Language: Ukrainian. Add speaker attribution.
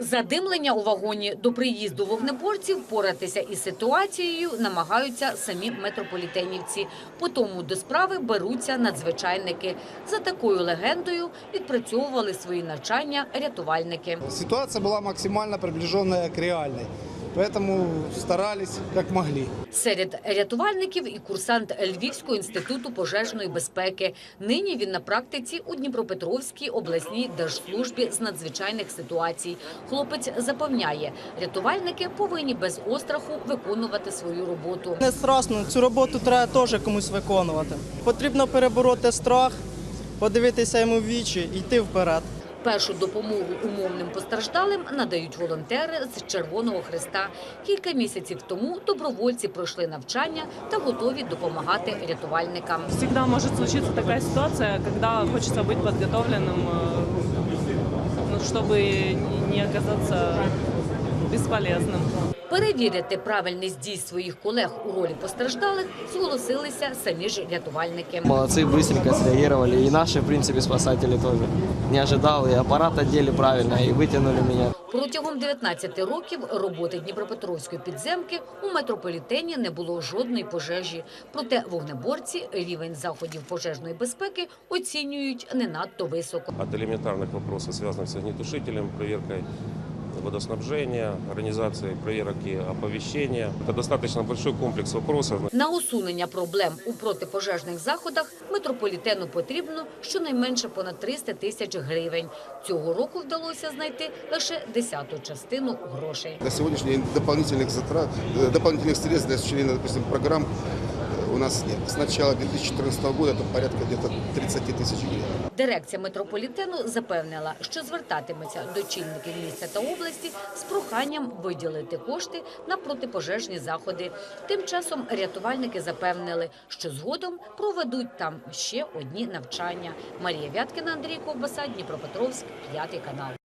Speaker 1: Задимлення у вагоні. До приїзду вогнеборців впоратися із ситуацією намагаються самі метрополітенівці. По тому до справи беруться надзвичайники. За такою легендою відпрацьовували свої навчання рятувальники.
Speaker 2: Ситуация была максимально приближенная к реальной, поэтому старались как могли.
Speaker 1: Серед рятувальників і курсант Львівського інституту пожежної безпеки. Нині він на практиці у Дніпропетровській обласній держслужбі з надзвичайних ситуацій. Хлопець запевняє, рятувальники повинні без остраху виконувати свою роботу.
Speaker 3: Не страшно, цю роботу треба теж комусь виконувати. Потрібно перебороти страх, подивитися йому в вічі і йти вперед.
Speaker 1: Першу допомогу умовним постраждалим надають волонтери з Червоного Хреста. Кілька місяців тому добровольці пройшли навчання та готові допомагати рятувальникам.
Speaker 4: Всегда может случиться такая ситуация, когда хочется быть подготовленным, чтобы не оказаться бесполезным.
Speaker 1: Перевірити правильність дій своїх колег у ролі постраждалих зголосилися самі ж рятувальники.
Speaker 5: Молодцы, быстренько среагировали. И наши, в принципе, спасатели тоже. Не ожидал, и аппарат одели правильно, и вытянули меня.
Speaker 1: Протягом 19 років роботи Дніпропетровської підземки у метрополітені не було жодної пожежі. Проте вогнеборці рівень заходів пожежної безпеки оцінюють не надто високо.
Speaker 6: От элементарных вопросов, связанных с огнетушителем, проверкой водоснабжения, организацией проверок и оповещения. Это достаточно большой комплекс вопросов.
Speaker 1: На усунення проблем у протипожежних заходах метрополітену потрібно щонайменше понад 300 тисяч гривень. Цього року вдалося знайти лише 10-ту частину грошей.
Speaker 7: На сегодняшний день дополнительных средств для осуществления, допустим, программ у нас нет. С начала 2014 года это порядка где-то 30 тысяч гривен.
Speaker 1: Дирекція метрополітену запевнила, що звертатиметься до чільників міста та області з проханням виділити кошти на протипожежні заходи. Тим часом рятувальники запевнили, що згодом проведуть там ще одні навчання. Марія Вяткіна, Андрій Ковбаса, Дніпропетровськ, 5 канал.